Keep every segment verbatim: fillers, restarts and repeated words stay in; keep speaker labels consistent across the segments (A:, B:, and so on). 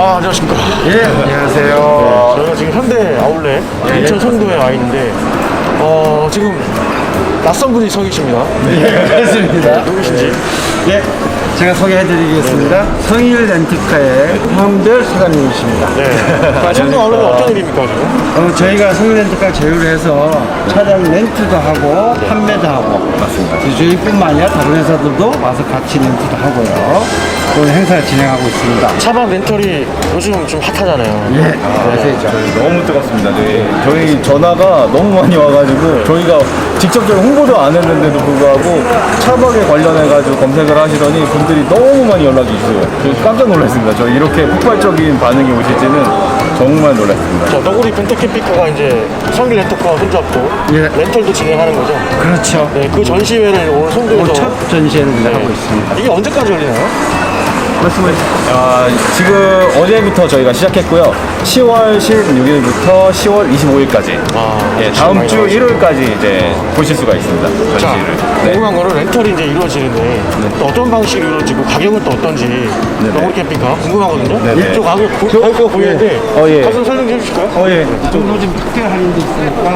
A: 아, 안녕하십니까.
B: 예, 안녕하세요.
A: 네, 저희가 지금 현대 아울렛 인천 송도에 와 있는데, 어, 지금 낯선 분이 서 계십니다.
B: 예, 그렇습니다.
A: 누구신지?
B: 예, 제가 소개해드리겠습니다. 성일 렌트카의 황별 사장님이십니다.
A: 네. 송도 아울렛은 어떤 일입니까, 지금?
B: 어, 저희가 성일 렌트카 제휴를 해서 차량 렌트도 하고 판매도 하고 맞습니다. 저희뿐만 아니라 다른 회사들도 와서 같이 렌트도 하고요. 오늘 행사를 진행하고 있습니다.
A: 차박 렌털이 요즘 좀 핫하잖아요.
B: 예, 아시죠?
C: 너무 뜨겁습니다. 네. 저희 전화가 너무 많이 와가지고 저희가 직접적으로 홍보도 안 했는데도 불구하고 차박에 관련해가지고 검색을 하시더니 분들이 너무 많이 연락이 있어요. 저 깜짝 놀랐습니다. 저 이렇게 폭발적인 반응이 오실지는 정말 놀랐습니다.
A: 자, 너구리 벤터캠핑카가 이제 성길 렌터카와 손잡고
B: 예.
A: 렌털도 진행하는 거죠.
B: 그렇죠.
A: 네, 그 전시회를 오늘 송도에서
B: 오늘 첫 전시회를 하고 있습니다.
A: 이게 언제까지 열리나요?
B: 말씀해 주세요.
C: 아, 지금 어제부터 저희가 시작했고요. 시월 십육일부터 시월 이십오일까지.
A: 아,
C: 예,
A: 지금
C: 다음
A: 많이
C: 주
A: 나오시죠.
C: 일요일까지 이제 보실 수가 있습니다.
A: 자,
C: 전시를. 네.
A: 궁금한 거는 렌털이 이제 이루어지는데 또 어떤 방식으로 이루어지고 가격은 또 어떤지 너구리 캠핑카 궁금하거든요.
C: 네네.
A: 이쪽 가격 보- 가격가 보이는데
C: 어, 예.
A: 가격 설명 좀 해주실까요?
C: 어, 예.
B: 정도 좀 특별 할인도 있으니까.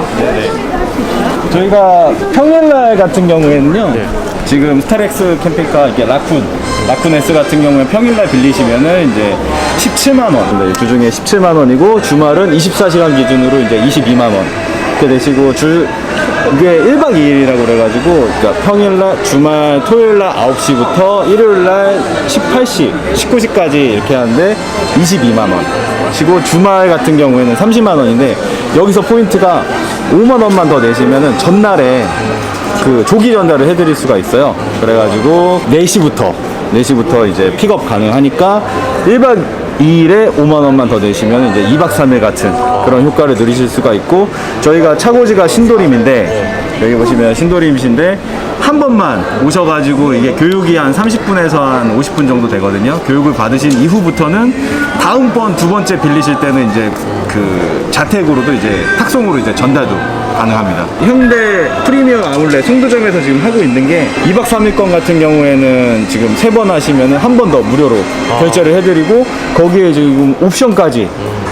C: 저희가 평일날 같은 경우에는요.
A: 네.
C: 지금 스타렉스 캠핑카 이게 라쿤 라쿤 S 같은 경우에 평일날 빌리시면은 이제 십칠만 원. 네, 주중에 십칠만 원이고 주말은 이십사 시간 기준으로 이제 이십이만 원. 이렇게 되시고 주 이게 일박 이일이라고 그래가지고 그러니까 평일날 주말 토요일날 아홉 시부터 일요일날 십팔 시 십구 시까지 이렇게 하는데 이십이만 원. 시고 주말 같은 경우에는 삼십만 원인데 여기서 포인트가 오만 원만 더 내시면은 전날에 그 조기 전달을 해드릴 수가 있어요. 그래가지고 네 시부터 네 시부터 이제 픽업 가능하니까 일박 이일에 오만 원만 더 내시면 이제 이박 삼일 같은 그런 효과를 누리실 수가 있고 저희가 차고지가 신도림인데 여기 보시면 신도림이신데 한 번만 오셔가지고 이게 교육이 한 삼십 분에서 한 오십 분 정도 되거든요. 교육을 받으신 이후부터는 다음번 두 번째 빌리실 때는 이제 그 자택으로도 이제 탁송으로 이제 전달도 가능합니다. 현대 프리미엄 아울렛 송도점에서 지금 하고 있는 게 이박 삼일권 같은 경우에는 지금 세 번 하시면은 한 번 더 무료로 결제를 해드리고 거기에 지금 옵션까지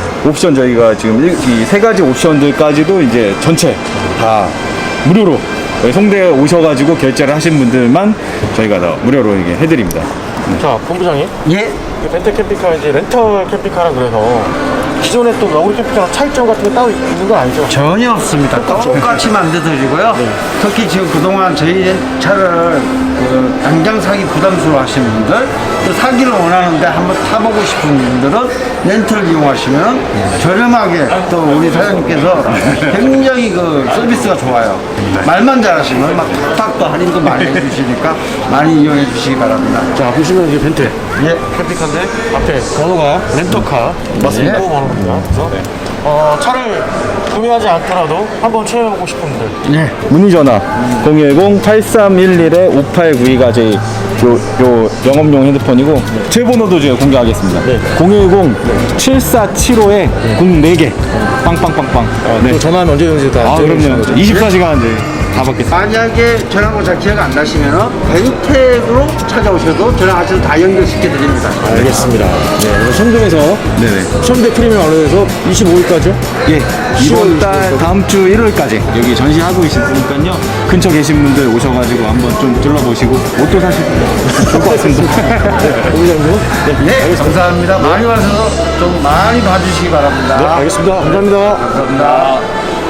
C: 옵션 저희가 지금 이 세 가지 옵션들까지도 이제 전체 다 무료로 여기 송대에 오셔가지고 결제를 하신 분들만 저희가 다 무료로 이게 해드립니다.
A: 자, 본부장님.
B: 예.
A: 그 벤터 캠핑카 이제 렌털 캠핑카라 그래서 기존에 또 너구리 캠핑카랑 차이점 같은 게 따로 있는 건 아니죠?
B: 전혀 없습니다. 똑같이 만들어드리고요. 특히 지금 그동안 저희 차를 그 당장 사기 부담스러워 하시는 분들, 또 사기를 원하는데 한번 타보고 싶은 분들은 렌트를 이용하시면 저렴하게 또 우리 사장님께서 굉장히 그 서비스가 좋아요. 말만 잘하시면 막 탁탁도 할인도 많이 해주시니까 많이 이용해 주시기 바랍니다.
A: 자, 보시면 이게 벤트
B: 예.
A: 캠핑카인데 앞에 번호가 렌터카 맞습니다.
B: 네.
A: 번호입니다. 그래서 어, 차를 구매하지 않더라도 한번 체험해보고 싶은 분들
B: 예.
C: 문의 전화 공일공 팔삼일일 오팔구이가 저희 요, 요 영업용 핸드폰이고 제 번호도 제가 공개하겠습니다.
A: 네.
C: 공일공 칠사칠오에 공네 개 빵빵빵빵. 어, 네.
A: 또 전화하면 언제든지 다
C: 아, 그럼요.
A: 거죠?
C: 이십사 시간 네, 다 받겠습니다.
B: 만약에 전화번호 잘 기억 안 나시면은 벤텍으로 찾아오셔도 전화하셔도 다 연결시켜 드립니다.
A: 알겠습니다. 네, 그래서 송도에서
C: 네네.
A: 현대 프리미엄 아울렛에서 이십오일까지요?
C: 예, 이번 달 다음 주 일월까지 여기 전시하고 있으니까요. 근처 계신 분들 오셔가지고 한번 좀 둘러보시고 옷도 사시고 좋을 것 같습니다.
A: 본부장님. 네,
B: 네, 감사합니다. 많이 와서 좀 많이 봐주시기 바랍니다.
A: 네, 알겠습니다. 감사합니다.
B: 감사합니다.